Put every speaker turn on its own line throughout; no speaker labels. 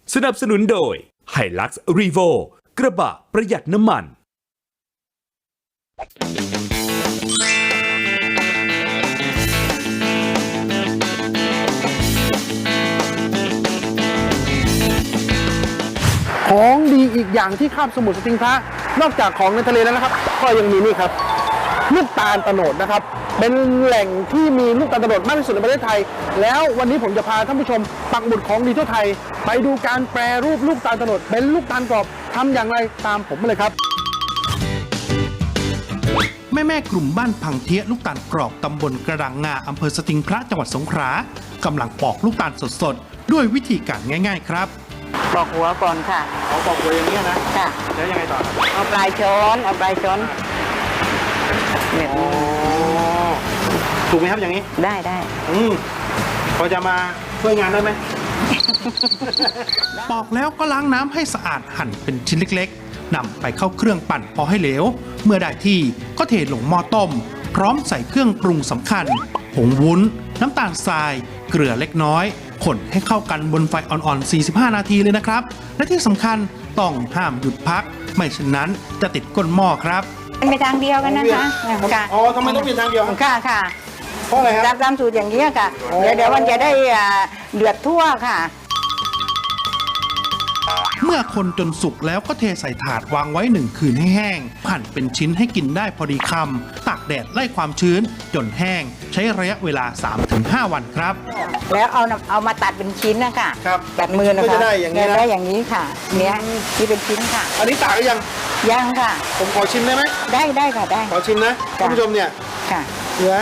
สนับสนุนโดย Hilux Revo กระบะประหยัดน้ำมัน
ของดีอีกอย่างที่คาบสมุทรสติงพระนอกจากของในทะเลแล้วนะครับก็ยังมีนี่ครับลูกตาลโตนดนะครับเป็นแหล่งที่มีลูกตาลโตนดมากที่สุดในประเทศไทยแล้ววันนี้ผมจะพาท่านผู้ชมปักหมุดของดีทั่วไทยไปดูการแปรรูปลูกตาลโตนดเป็นลูกตาลกรอบทำอย่างไรตามผมมาเลยครับ
แม่กลุ่มบ้านพังเทียลูกตาลกรอบตำบลกระดังงาอำเภอสติงพระจังหวัดสงขลากำลังปอกลูกตาลสดๆด้วยวิธีการง่ายๆครับ
ปอกหัวก่อนค่ะ
เอาปอกหัวอย่างนี้นะ
ค่ะ
แล้วยังไงต่อ
เอาปลายช้อนแบบนี้
ถูกไหมครับอย่างนี้
ได้
พอจะมาช่วยงานได้ไหม
ปอกแล้วก็ล้างน้ำให้สะอาดหั่นเป็นชิ้นเล็กๆนำไปเข้าเครื่องปั่นพอให้เหลวเมื่อได้ที่ก็เทลงหม้อต้มพร้อมใส่เครื่องปรุงสำคัญผงวุ้นน้ำตาลทรายเกลือเล็กน้อยคนให้เข้ากันบนไฟอ่อนๆ45นาทีเลยนะครับและที่สำคัญต้องห้ามหยุดพักไม่เช่นนั้นจะติดก้นหม้อครับ
เป็นไปทางเดียวกันนะคะ
อ๋อทำไมต้องเปลี่ยนทางเดียว
ค่ะ
เพราะอะไรครับ
ตามสูตรอย่างนี้ค่ะเดี๋ยวมันจะได้เดือดทั่วค่ะ
เมื่อคนจนสุกแล้วก็เทใส่ถาดวางไว้1 คืนให้แห้งหั่นเป็นชิ้นให้กินได้พอดีคำตากแดดไล่ความชื้นจนแห้งใช้ระยะเวลา 3-5 วันครับ
แล้วเอามาตัดเป็นชิ้นนะคะตัดมือนะคะ
ได้อย่างนี้นะ
ได้อย่างนี้ค่ะเนี้ยที่เป็นชิ้นค่ะ
อันนี้ตากหรือ
ยังค่ะ
ผมขอชิมได้ไหม
ได้ค่ะได้
ขอชิมนะท่านผู้ชมเนี่ย
ค่ะ
เนื้อ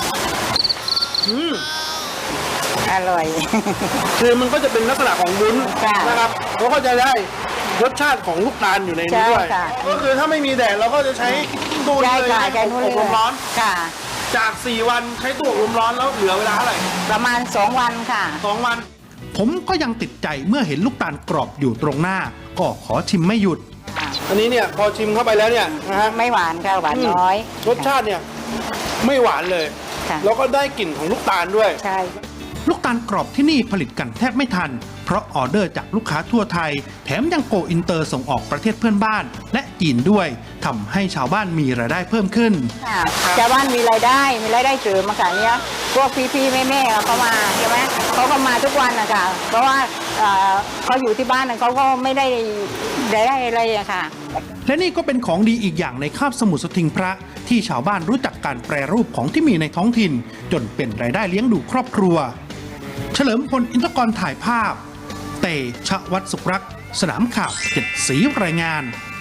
อร่อย
คือมันก็จะเป็นลักษณะของวุ้นนะครับแล้วก็จะได้รสชาติของลูกตาลอยู่ในนี้ด้วยก็คือถ้าไม่มีแดดเราก็จะใช้ตู้นี้เลยให้อบลมร้อนจาก4 วันใช้ตู้อบลมร้อนแล้วเหลือเวลาเท่าไหร่
ประมาณ2 วันค่ะ
2 วัน
ผมก็ยังติดใจเมื่อเห็นลูกตาลกรอบอยู่ตรงหน้าก็ขอชิมไม่หยุด
อันนี้เนี่ยพอชิมเข้าไปแล้วเนี่ยนะฮะ
ไม่หวานค่ะหวานน้อย
รสชาติเนี่ยไม่หวานเลยแล้วก็ได้กลิ่นของลูกตาลด้วย
ใช่
ลูกตาลกรอบที่นี่ผลิตกันแทบไม่ทันเพราะออเดอร์จากลูกค้าทั่วไทยแถมยังโกอินเตอร์ส่งออกประเทศเพื่อนบ้านและจีนด้วยทำให้ชาวบ้านมีรายได้เพิ่มขึ้น
ชาวบ้านมีรายได้เสริมมาค่ะเนี้ยพวกพี่แม่เขามาใช่ไหมเขาก็มาทุกวันนะคะเพราะว่าเขาอยู่ที่บ้านเขาก็ไม่ได้อะไรอะค่ะ
และนี่ก็เป็นของดีอีกอย่างในคาบสมุทรสติงพระที่ชาวบ้านรู้จักการแปรรูปของที่มีในท้องถิ่นจนเป็นรายได้เลี้ยงดูครอบครัวเฉลิมพล อินทกรถ่ายภาพเตชะวัฒน์สุขรักษ์สนามข่าว7 สีรายงาน